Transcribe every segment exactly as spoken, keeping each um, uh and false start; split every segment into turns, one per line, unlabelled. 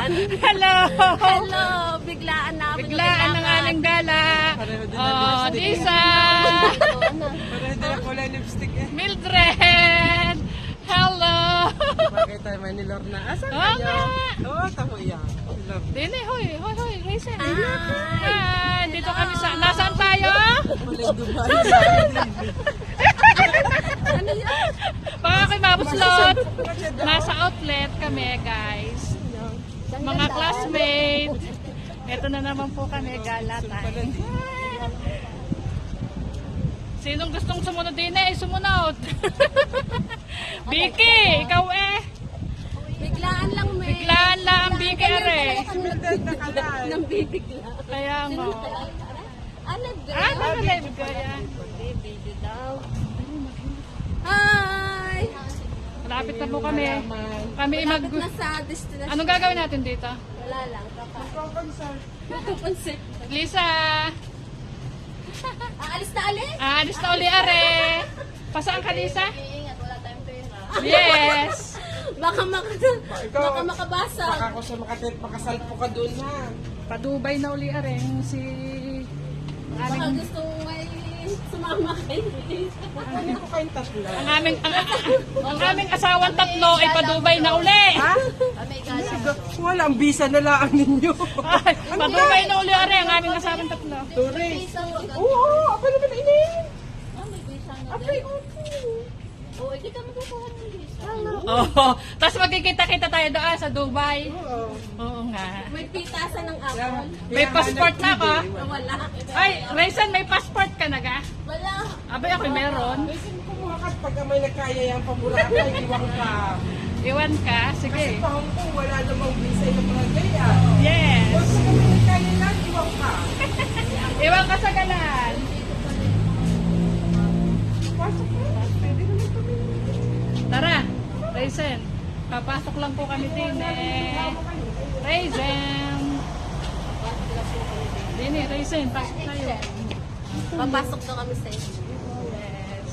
yan.
Hello!
Hello! Biglaan na.
Biglaan ng aming gala. Oh, Lisa!
Pareho din ang kulay lipstick eh.
Mildred! Hello!
Bakit tayo may nilor na? Asan
Oo
kayo?
nga.
Oo, tamo yan. Nilor.
Dini, hoy, hoy, hoy, Raisin.
Hi.
Hi! Dito kami sa... Nasaan tayo?
Kulay Dubai.
Ano yan?
Baka kay Mabuslot. Nasa outlet kami, guys. Mga classmates. Ito na naman po kami, gala time. Sinong gustong sumunod din eh, sumunod. Vicky, ikaw eh.
Biglaan lang, may.
Biglaan lang ang Vicky are.
Nang bibigla.
Kaya nga.
Ano
Ah,
daw?
naka-live ko yan.
Video daw. Hi!
Malapit na po kami. Kami mag...
Malapit na sa destination.
Anong gagawin natin dito?
Wala lang. Magpapansin.
Lisa!
Aalis na alis?
Ah, alis na uli are. Pasaan ka, Lisa?
Ingat, wala tayong pera.
Yes!
Baka, maka,
Ikaw,
baka makabasa.
Baka ko siya makatit, makasalpo ka doon ha.
Pa-Dubai na uli are. Si...
Baka
Aming,
gusto mo may sumama kay
Hindi ko kayong tatlo.
ang aming, ang, ang aming asawang tatlo ay pa-Dubai na uli.
Ha? Wala, ang visa na lang ninyo.
Ay, pa-Dubai na uli are ang aming asawang tatlo.
Tourist. Oo, apa naman ini?
Apay, oo, hindi ka magkukuha ng visa.
Oo. Tapos magkikita-kita tayo doon sa Dubai.
Oo.
Oo nga.
May pitasan ng apple.
May passport na ako.
Ah, Wala.
Ay, Raisin, may passport ka na ga?
Wala.
Abay, ako meron.
Kasi kumuha ka pag may nagkaya yung paboraka, iwan ka.
Iwan ka?
Kasi
Sige.
pa Hong Kong, wala namang visa yung mga gaya.
Yes.
Pag may nagkaya lang, iwan ka.
Iwan ka sa galan.
Pasok na. Pwede naman kami.
Tara, Raisin. Papasok lang po kami din eh. Raisin. Dini, Raisin, pasok tayo.
Papasok na kami sa inyo.
Yes.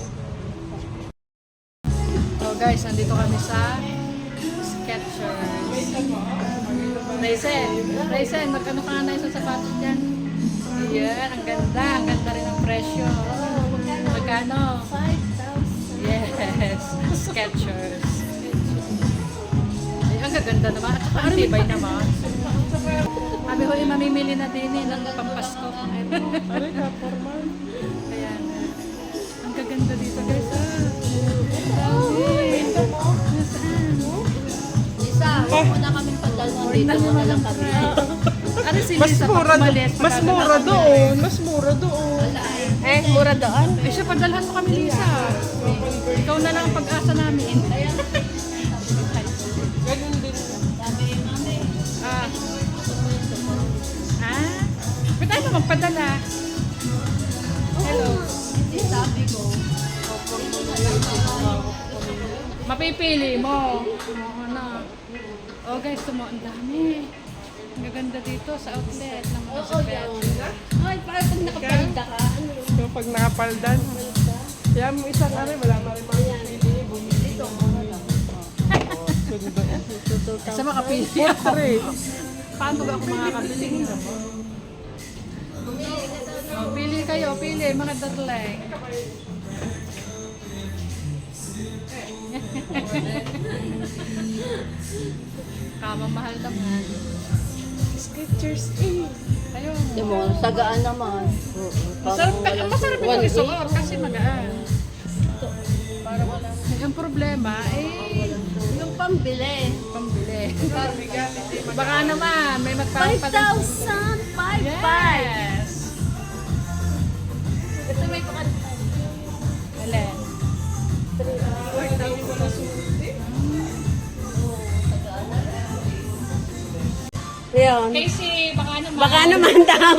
So guys, nandito kami sa Skechers. Raisin, Raisin, magkano ka na isang sapatos dyan? Yan, ang ganda. Ang ganda rin ang presyo. Magkano?
five thousand.
Yes, Skechers. Ay, ang gaganda naman. At saka ang tibay naman. Sabi ko, eh, mamimili na din eh, ng pampasko.
Aray ka, formal.
Ayan. Ang gaganda dito guys. Ah. Grabe. Nasaan?
Isa, huwag mo na kaming padalhan dito mo na lang kami.
Ano si
Mas
Lisa
mura,
pag umalis?
mas
pagkano
mura
na-
doon. Mas mura doon.
Eh, mura doon?
Eh siya, padalhan mo kami Lisa. Ikaw na lang ang pag-asa namin.
Ganun din.
Ah. Ah? Ba't tayo na magpadala? Hello.
Hindi sabi ko.
Mapipili mo. Oo na. Oh guys, tumo ang dami. Ang gaganda dito sa outlet ng mga
Oo, yan. Ay, parang pag nakapalda ka, ano yun?
So, pag nakapaldan, kaya mo isang ano, wala na rin makapili. Bumili ito.
Sa makapili ako.
Portrait.
Paano ba ako makakabili? Oh, pili kayo, pili, mga datleng. Kamamahal naman.
Skechers eh.
Ayun.
Di mo, sagaan naman.
Masarap, masarap ito isuot kasi magaan. Para wala. Yung problema, eh,
Yung pambili.
pambili. Baka naman, may
five
magpapalit.
thousand five five.
Yes.
Ito may pakanta.
Alin?
Ayun.
Casey, baka naman.
Baka naman daw.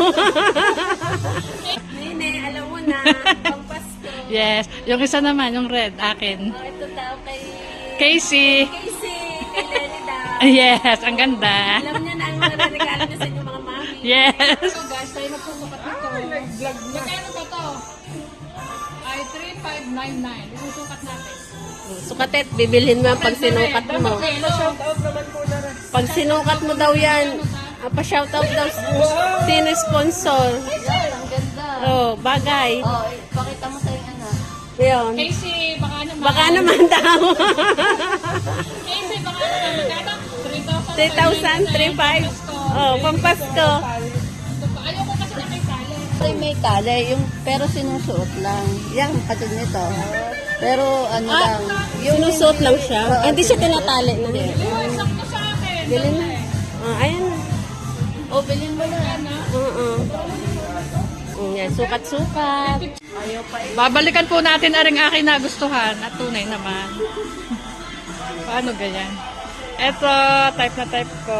Nene, alam mo na. Pampasko.
Yes. Yung isa naman, yung red, akin.
Oh, ito daw kay...
Casey.
Casey. Kay Lenny daw.
Yes, ang ganda.
Alam niya na ang mga regalo niya sa inyong mga mami.
Yes. So guys, tayo magsusukat nito.
Ay, nag-vlog na.
Magkano ba to? Ay, three five nine nine. Isusukat natin.
Sukatet, bibilhin mo yan pag sinukat mo.
Shout out naman po na rin.
Pag sinukat mo daw yan, ah, pa-shoutout daw sino sponsor.
Yan, ang ganda.
Oh, bagay.
Oh, pakita mo sa yung anak.
Yun.
Casey, baka naman.
Baka naman daw.
Casey, baka naman. Magkano?
three thousand, three thousand five hundred. Oh, pampasko.
Ayoko kasi na may tali.
Ay, may tali, yung, pero sinusuot lang. Yan, katulad nito. Pero ano lang. Yung
Sinusuot lang siya. Ah, hindi siya tinatali na.
Uy, sakto sa akin.
Bilhin na. Ah, ayan.
oh, bilhin mo na.
Oo. Yan, sukat-sukat.
Babalikan po natin aring aking nagustuhan at tunay naman. Paano ganyan? Eto, type na type ko.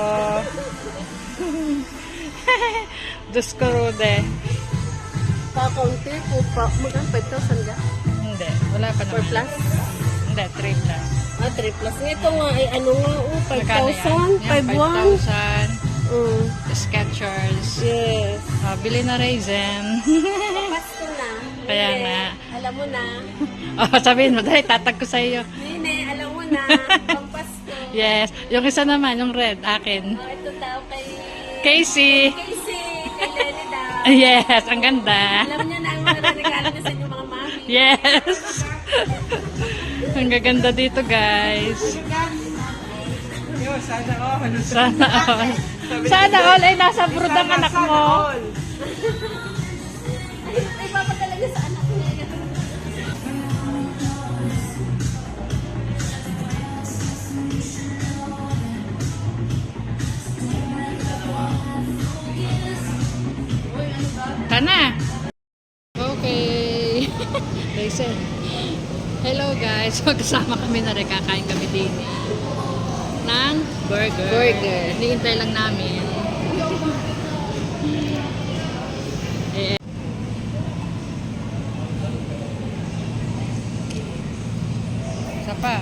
Diyos ko, Rude.
Pa-county po pa. Magkano? five thousand ka?
Hindi, wala pa
four
naman.
plus?
Hindi, three plus.
Ah, three plus. Ito nga ay ano nga, oh, five
Magkano
thousand?
yan?
five
Yan,
one?
five thousand.
Mm.
Skechers.
Yes.
Ah, bili na raisin.
Pasko na.
Kaya
Nene,
nga.
alam mo na.
Oh, sabihin mo, dahil tatag ko sa iyo.
Nene, alam mo na. Pampasko.
Yes. Yung isa naman, yung red, akin.
Oh, ito daw kay...
Casey.
Casey. Kay Lenny daw.
Yes, ang ganda.
Alam niya na ang mga regalo na sa inyong mga mami.
Yes. Ang gaganda dito, guys.
Yo, sana all.
Sana all. Sana all ay nasa brood ang anak mo.
Ay, papadala niya sa anak niya.
Tana. Okay. Listen. Hello guys. Magkasama kami na rin. Kakain kami din ng burger.
Burger.
Hinihintay lang namin. Eh. Isa pa.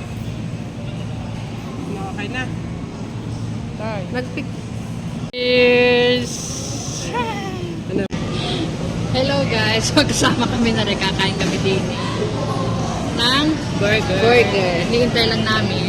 Okay na.
Tay.
Nagpick.
Cheers!
Ano?
Hello guys, magkasama kami na rin, kakain kami din ng burger.
Burger.
Hinihintay lang namin.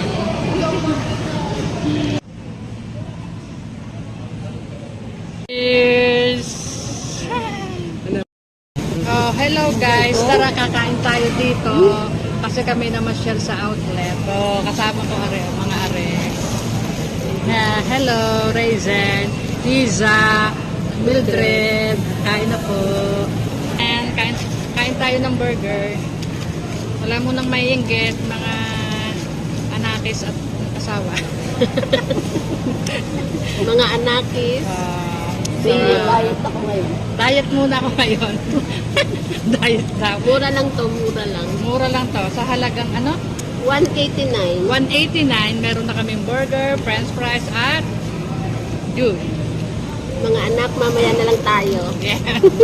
Cheers!
Ano?
Oh, hello guys, tara kakain tayo dito kasi kami na share sa outlet. Oh, kasama ko are, mga are. Yeah, hello, Raisin, Liza, Mildred, kain na po. And kain, kain tayo ng burger. Wala mo nang maiinggit, mga anakis at asawa.
Mga anakis.
Ah, so,
Diet ako ngayon.
diet muna ako ngayon. Diet daw.
Mura lang to, mura lang.
Mura lang to. Sa halagang ano?
one eighty-nine.
one eighty-nine. Meron na kaming burger, french fries, at juice.
Mga anak, mamaya na lang tayo.
Yeah.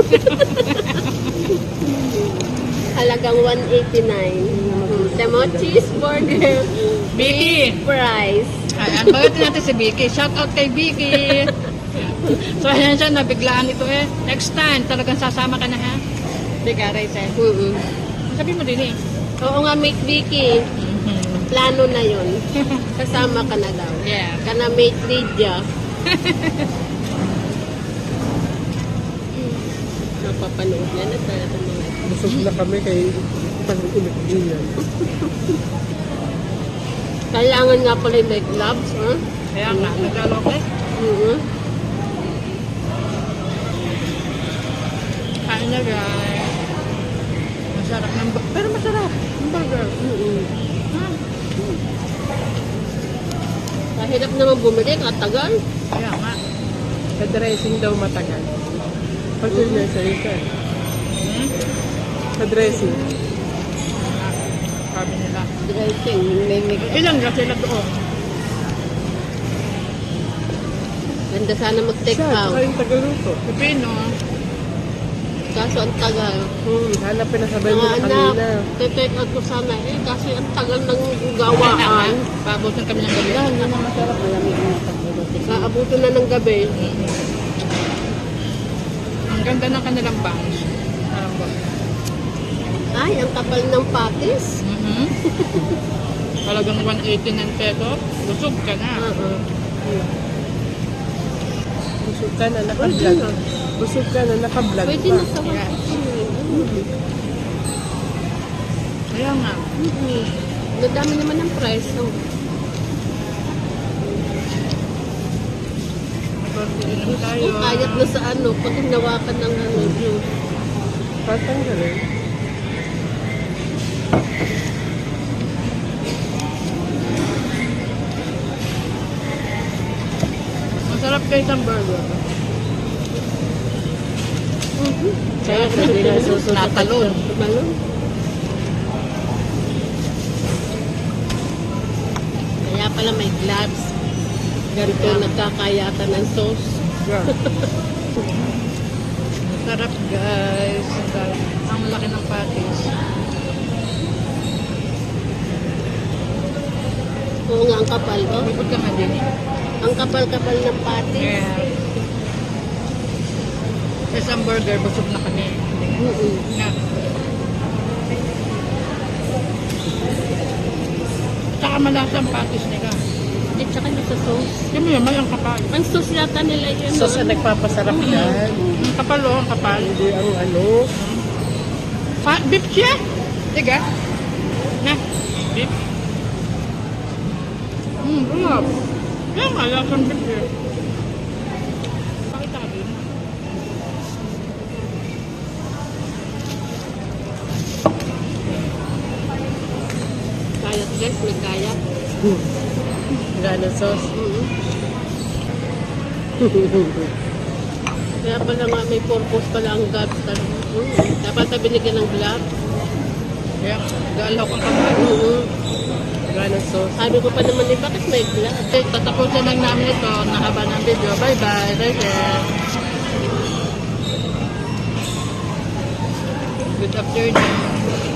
Halagang one eighty-nine. Temo, cheeseburger.
Vicky!
Price.
Ayan, bagatin natin si Vicky. Shout out kay Vicky. So, ayan siya, nabiglaan ito eh. Next time, talagang sasama ka na ha? Biga, Rachel.
Mm-mm.
Sabi mo din eh.
Oo nga, mate Vicky. Plano na yun. Kasama ka na daw.
Yeah.
Kana mate Lydia. Napapanood na na talaga mga
Busog na kami kay pag-ulit din yan.
kailangan nga pala yung may gloves, ha?
Kaya nga, naglalok eh.
Mm-hmm.
Kain na guys. Masarap ng bu- pero masarap. Ang burger.
Mm-hmm.
Ah,
Kahirap naman bumili, katagal.
kaya nga.
Sa dressing daw matagal. Kasi na sa ito.
Hmm?
Sa dressing.
Sabi nila.
Dressing, may may
Ilan ka sila doon?
Ganda sana mag-take
Siya,
out.
saka yung tagaluto.
Pipino.
Kaso ang tagal.
Hmm, hanapin na sabay mo
Mga
na
anak,
kanina.
take out ko sana eh. Kasi ang tagal ng gawaan.
Pabutin kami ng gabi.
Hindi na masarap. Malamig na pagbuti. Kaabuto na ng gabi.
Ang ganda ng kanilang bangs. Parang ba?
Ay, ang kapal ng patis.
Mhm. Talagang one eighty-nine peso. Busog ka na.
Oo.
Busog ka na,
Pwede
naka-vlog.
na.
Busog ka na, naka-vlog
Pwede
pa.
na sa one
Yes.
eighty-nine.
Kaya nga.
Mm-hmm. Nadami naman ang price. No?
Mag-order naman tayo.
Kung kayat na sa ano, pag hinawakan ng ano, juice.
Tatanggalin.
Masarap kayo isang burger.
Mm-hmm.
Kaya hindi na susunod. Natalon.
Tumalon. Kaya pala may gloves. Ganito nagkakayatan ng sauce.
Yeah.
Sarap guys. Sarap. Ang laki ng patis.
Oo nga, ang kapal. Oh.
Bukod ka nga din.
Ang kapal-kapal ng patis.
Yeah. Sa isang burger, busog na kami.
Mm-mm.
Na. Tsaka malasa ang patis nila.
At saka yung sa sauce.
Yung mo yun, may ang kapal.
Ang sauce yata nila yun.
So, sa nagpapasarap yan.
Ang kapal o, ang kapal.
Hindi ang ano.
Pa beef siya? Tiga. Na. Beef. Hmm, sarap. Yan nga, lasang beef siya. Pakita ka din.
Kayat guys, may kayat.
Gana sauce.
Mm-hmm. Kaya pala nga may purpose pala ang gloves talaga. Mm-hmm. Dapat na binigyan ng gloves.
Yan, galaw kang kapal.
Mm-hmm.
Gana sauce.
Sabi ko pa naman eh, bakit may gloves?
Okay, tatapusin lang namin ito. Nakaba ng video. Bye-bye. Rachel. Good afternoon.